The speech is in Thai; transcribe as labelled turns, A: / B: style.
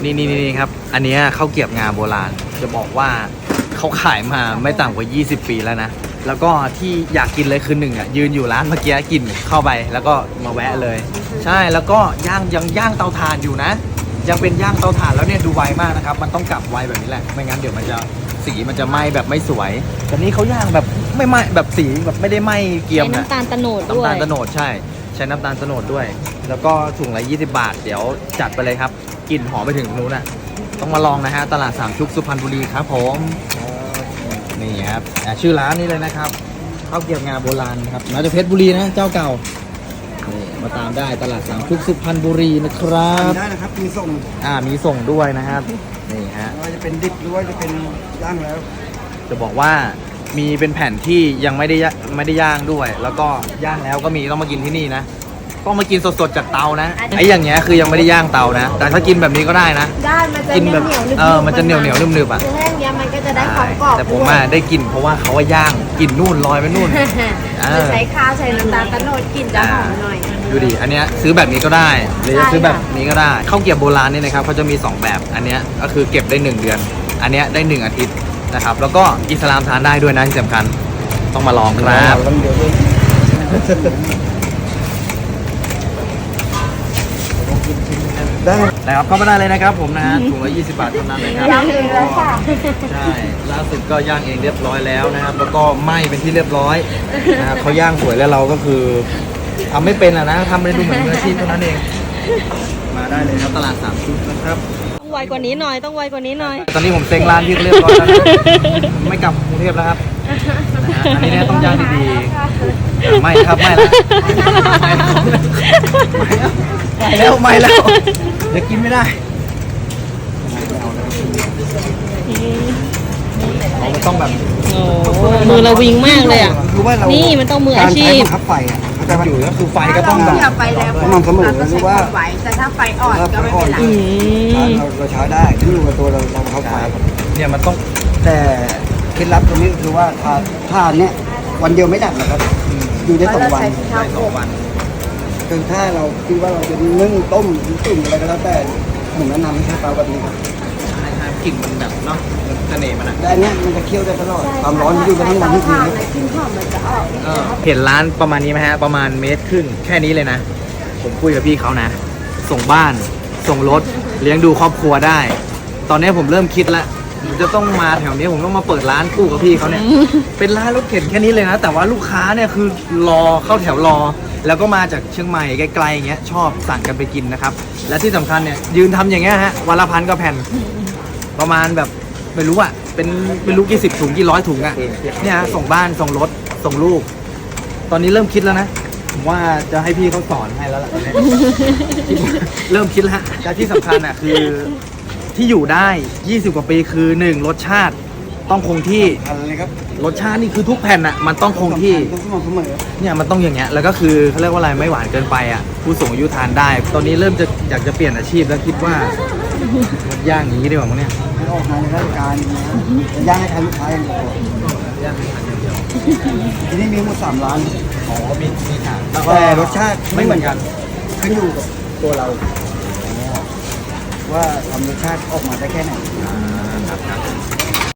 A: นี่ครับอันนี้ข้าวเกรี๊ยวงาโบราณจะบอกว่าเขาขายมาไม่ต่ำกว่า20 ปีแล้วนะแล้วก็ที่อยากกินเลยคือหนึ่งอ่ะยืนอยู่ร้านเมื่อกี้กินเข้าไปแล้วก็มาแวะเลยใช่แล้วก็ยังย่างเตาถ่านอยู่นะยังเป็นย่างเตาถ่านแล้วเนี่ยดูไวมากนะครับมันต้องกลับไวแบบนี้แหละไม่งั้นเดี๋ยวมันจะสีมันจะไหม้แบบไม่สวยแต่นี้เขาย่างแบบไม่ไหม้แบบสีแบบไม่ได้ไหม้เกรียมนะ
B: น้ำตาลตะโนดด้วย
A: น้ำตาลตะโนดใช่ใช้น้ำตาลตะโนดด้วยแล้วก็ถุงละ20 บาทเดี๋ยวจัดไปเลยครับกลิ่นหอมไปถึงนู้นน่ะต้องมาลองนะฮะตลาดสามชุกสุพรรณบุรีครับผมนี่ครับชื่อร้านนี้เลยนะครับข้าวเกรี๊ยวงาโบราณนะครับมาจากเพชรบุรีนะเจ้าเก่านี่มาตามได้ตลาดสามชุกสุพรรณบุรีนะครับ
C: ได้นะครับมีส่ง
A: มีส่งด้วยนะครับนี่ฮะ
C: ไม่ว่าจะเป็นดิบหรือว่าจะเป็นย่างแล้ว
A: จะบอกว่ามีเป็นแผ่นที่ยังไม่ได้ย่างด้วย แล้วก็ย่างแล้วก็มีต้องมากินที่นี่นะต้องมากินสดๆจากเตานะไอ้อย่างเงี้ยคือยังไม่ได้ย่างเตานะแต่ถ้ากินแบบนี้ก็ได้นะ
B: ได้มันจะ
A: กินแบบ
B: เหนียวๆ
A: มันจะเหนียวนึบๆอ่ะ
B: คือแห้งเนี้ยมันก็จะได้ความกรอบ
A: แต่ผมได้กินเพราะว่าเขาว่าย่างกินนู่นลอยไปนู่น
B: คือใช้ข้าวใช้น้ำตาลตะโนดกลิ่นจะหอมหน่อย
A: ดูดิอันเนี้ยซื้อแบบนี้ก็ได้หรือจะซื้อแบบนี้ก็ได้ข้าวเกรี๊ยวโบราณเนี่ยนะครับเขาจะมี2แบบอันเนี้ยก็คือเก็บได้1 เดือนอันเนี้ยได้1 อาทิตย์นะครับแล้วก็อิสลามทานได้ด้วยนะที่สำคัญต้องมาลองครับ
C: เดี๋ยวด้วย ได้
A: นะครับเข้ามาได้เลยนะครับผมนะฮะถุงละ20 บาทเท่านั้นนะครับ
B: ย่างเองแล้วค่ะ
A: ใช่ล่าสุดก็ย่างเองเรียบร้อยแล้วนะครับแล้วก็ไหม้เป็นที่เรียบร้อยนะครับเขาย่างสวยแล้วเราก็คือทำไม่เป็นนะทำไปดูเหมือนมืออาชีพเท่านั้นเองมาได้เลยครับตลาดสามชุกนะครับ
B: ต้องไวกว่านี้หน่อยต้องไวกว่านี้หน่อย
A: ตอนนี้ผมเซ็งร้านที่เรียบร้อยแล้วนะไม่กลับกรุงเทพแล้วครับนะฮะอันนี้เนี่ยต้องย่างดีๆไม่ครับไม่แล้วไม่แล้วเดี๋ยวกินไม่ได้มันต้องแบบ
B: โอ้มือเราวิงมากเลยอ่ะ
C: คือว่าเรา
B: นี่มันต้องมืออาชีพ
C: การใช้บังคับไฟอ่ะแต่ว่า
A: อยู่ก็คือไฟก็ต้องแบบ
D: ถ้าไฟแรง
C: สม่ำเสมอหรือว่า
D: ไหวแต่ถ้าไฟอ่อนก็ไม่เป็นไร
B: อืม
C: เราใช้ได้ที่อยู่กับตัวเราบังคับไฟ
A: เนี่ยมันต้อง
C: แต่เคล็ดลับตรงนี้คือว่าทานเนี่ยวันเดียวไม่ดับนะครับอยู่ได้
D: เพราะ
C: 2
D: เรา
C: วัน
D: ใช้ข้าว
A: ได้
D: โพ
A: 2
D: ด
A: วัน
C: คือถ้าเราคิดว่าเราจะนึ่งต้มหรือตุ๋นอะไรก็แล้วแต่ผมแนะนำให้ใช้เตาแบบนี้ครับ
A: ใช่กลิ่นมันแบบเนาะเสน่ห์มันอะ
C: แต่อันเนี้ยมันจะเคี่ยวได้ตลอดความร้อนมันอยู่กันทั้งวันทั้งคืน
D: ใช้เตาถ่านนะกลิ่นหอมมันจะออก
A: เห็นร้านประมาณนี้ไหมฮะประมาณ1.5 เมตรแค่นี้เลยนะผมคุยกับพี่เขานะ ส่งบ้านส่งรถเลี้ยงดูครอบครัวได้ ตอนนี้ผมเริ่มคิดแล้วผมจะต้องมาแถวนี้ผมต้องมาเปิดร้านคู่กับพี่เขาเนี่ยเป็นร้านรถเข็นแค่นี้เลยนะแต่ว่าลูกค้าเนี่ยคือรอเข้าแถวรอ แล้วก็มาจากเชียงใหม่ไกลๆอย่างเงี้ยชอบสั่งกันไปกินนะครับและที่สำคัญเนี่ยยืนทำอย่างเงี้ยฮะวันละ1,000 กว่าแผ่นประมาณแบบไม่รู้อะเป็นไม่รู้กี่10 ถุงกี่100 ถุงอะเนี่ยฮะส่งบ้านส่งรถส่งลูก ตอนนี้เริ่มคิดแล้วนะผมว่าจะให้พี่เขาสอนให้แล้วล่ะตอนนี้ เริ่มคิดแล้วแต่ที่สำคัญอ่ะคือที่อยู่ได้20 กว่าปีคือ1รสชาติต้องคงที่
C: อะไรครับ
A: รสชาตินี่คือทุกแผ่นอ่ะมันต้องคงที่
C: ต้องสม่ำเสมอ
A: เนี่ยมันต้องอย่างเงี้ยแล้วก็คือเขาเรียกว่าอะไรไม่หวานเกินไปอ่ะผู้สูงอายุทานได้ ตอนนี้เริ่มจะอยากจะเปลี่ยนอาชีพแล้วคิดว่าย่างอย่างนี้ดีกว่ามั้งเนี่ย
C: ให้ออกงานในราชการนะครับจะย่างให้ทานลูกค้าอย่างเดียว
A: ย่างให้ทานอย่างเดียว
C: ที่นี่มีหมด3 ร้าน
A: อ๋อมีทางแล้วก็
C: แต่รสชาติ
A: ไม่เหมือนกัน
C: ขึ้นอยู่กับตัวเรา ว่าทำรสชาติออกมาได้แค่ไหน
A: ครับ